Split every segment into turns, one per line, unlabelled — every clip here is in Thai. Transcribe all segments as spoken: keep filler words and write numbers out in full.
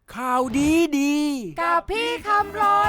ข่าวดีดี
กับพี่คำรน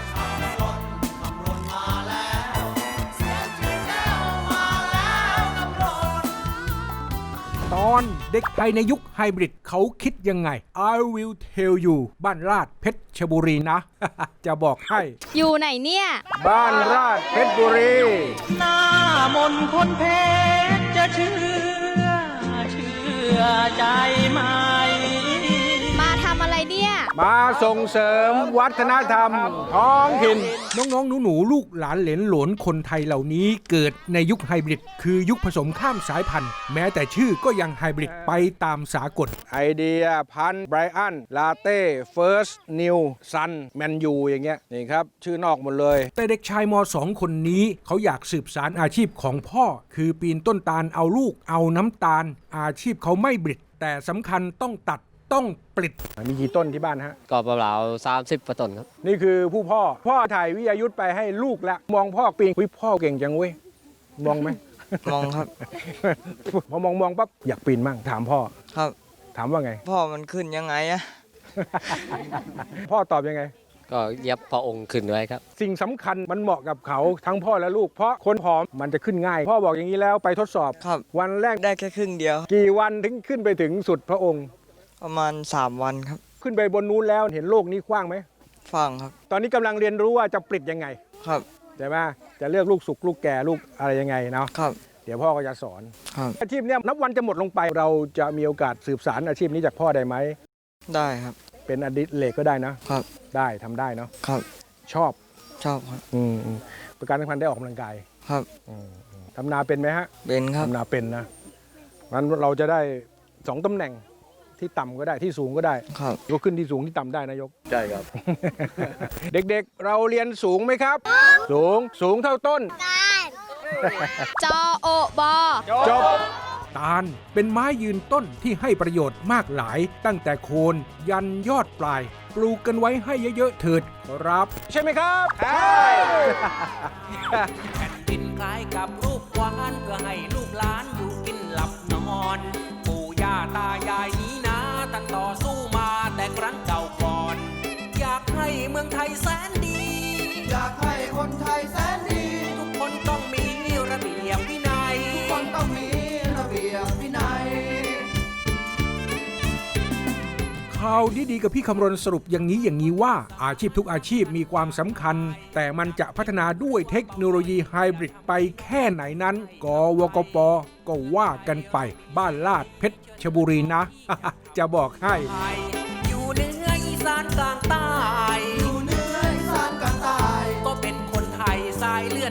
ตอนเด็กไทยในยุคไฮบริดเขาคิดยังไง I will tell you บ้านราชเพชรบุรีนะ จะบอกให้
อยู่ไหนเนี่ย
บ้านราชเพชรบุรี
หน้ามนคนเพชรจะเชื่อเชื่อใจไหม
มาทำอะไรเนี่ย
มาส่งเสริมวัฒนธรรมท้องถิ่นน้องๆหนูๆลูกหลานเหลนหลนคนไทยเหล่านี้เกิดในยุคไฮบริดคือยุคผสมข้ามสายพันธุ์แม้แต่ชื่อก็ยังไฮบริดไปตามสากลไอเดียพันไบรอันลาเต้เฟิร์สนิวซันแมนยูอย่างเงี้ยนี่ครับชื่อนอกหมดเลยแต่เด็กชายม.สอง คนนี้เขาอยากสืบสานอาชีพของพ่อคือปีนต้นตาลเอาลูกเอาน้ำตาลอาชีพเขาไม่บริดแต่สำคัญต้องตัดต้องปลิดมีกี่ต้นที่บ้านฮะ
ก็ประมาณสามสิบต้นครับ
นี่คือผู้พ่อพ่อถ่ายวิทยายุทธไปให้ลูกแล้วมองพ่อปีนวิพ่อเก่งจังเว้ยมองไหม
มองครับ
พอมองมองปั๊บอยากปีนมั่งถามพ่อ
ครับ
ถามว่าไง
พ่อมันขึ้นยังไงอะ
พ่อตอบยังไง
ก็เย็บพระองค์ขึ้นไว้ครับ
สิ่งสำคัญมันเหมาะกับเขาทั้งพ่อและลูกเพราะคนผอมมันจะขึ้นง่ายพ่อบอกอย่างนี้แล้วไปทดสอบ
ครับ
วันแรก
ได้แค่ครึ่งเดียว
กี่วันถึงขึ้นไปถึงสุดพระองค์
ประมาณสามวันครับ
ขึ้นไปบนนู้นแล้วเห็นโลกนี้กว้างไหม
ฟังครับ
ตอนนี้กำลังเรียนรู้ว่าจะปลิดยังไง
ครับ
ใช่ไหมจะเลือกลูกสุกลูกแก่ลูกอะไรยังไงเนาะ
ครับ
เดี๋ยวพ่อก็จะสอน
ครับ
อาชีพนี้นับวันจะหมดลงไปเราจะมีโอกาสสืบสานอาชีพนี้จากพ่อได้ไหม
ได้ครับ
เป็นอดิเรกก็ได้นะครับได้ทำได้เนาะ
ครับ
ชอบ
ชอบครับ
อืมประการสำคัญได้ออกกำลังกาย
ครับ
ทำนาเป็นไหมฮะ
เป็นครับ
ทำนาเป็นนะงั้นเราจะได้สองตำแหน่งที่ต่ำก็ได้ที่สูงก็ได้
ครับ
ยกขึ้นที่สูงที่ต่ำได้นายก
ใช่ครับ
เด็กๆเราเรียนสูงไหมครับสูงสูงเท่าต้น
จอโอบอ
จบตาลเป็นไม้ยืนต้นที่ให้ประโยชน์มากหลายตั้งแต่โคนยันยอดปลายปลูกกันไว้ให้เยอะๆเถิดครับใช่ไหมครับใช่
แผ่นดินคล้ายกับรูปวานเพื่อให้ลูกหลานอยู่กินหลับนอนปู่ย่าตายายนี้นะตั้งต่อสู้มาแต่ครั้งเก่าก่อนอยากให้เมืองไทยแสนดี
อยากให้คนไทยแสนดี
ทุกคนต้องมีระเบียบวินัย
ทุกคนต้องมีระเบียบวินัย
ข่าวดีๆกับพี่คำรณสรุปอย่างนี้อย่างนี้ว่าอาชีพทุกอาชีพมีความสำคัญแต่มันจะพัฒนาด้วยเทคโนโลยีไฮบริดไปแค่ไหนนั้นกวกปก็ว่ากันไปบ้านลาดเพชรบุรีนะ จะบอกให้
อยู่เหนืออีสานกลางใต้
อยู่เหนืออีสานกลางใต้
ก็เป็นคนไทยสายเลือด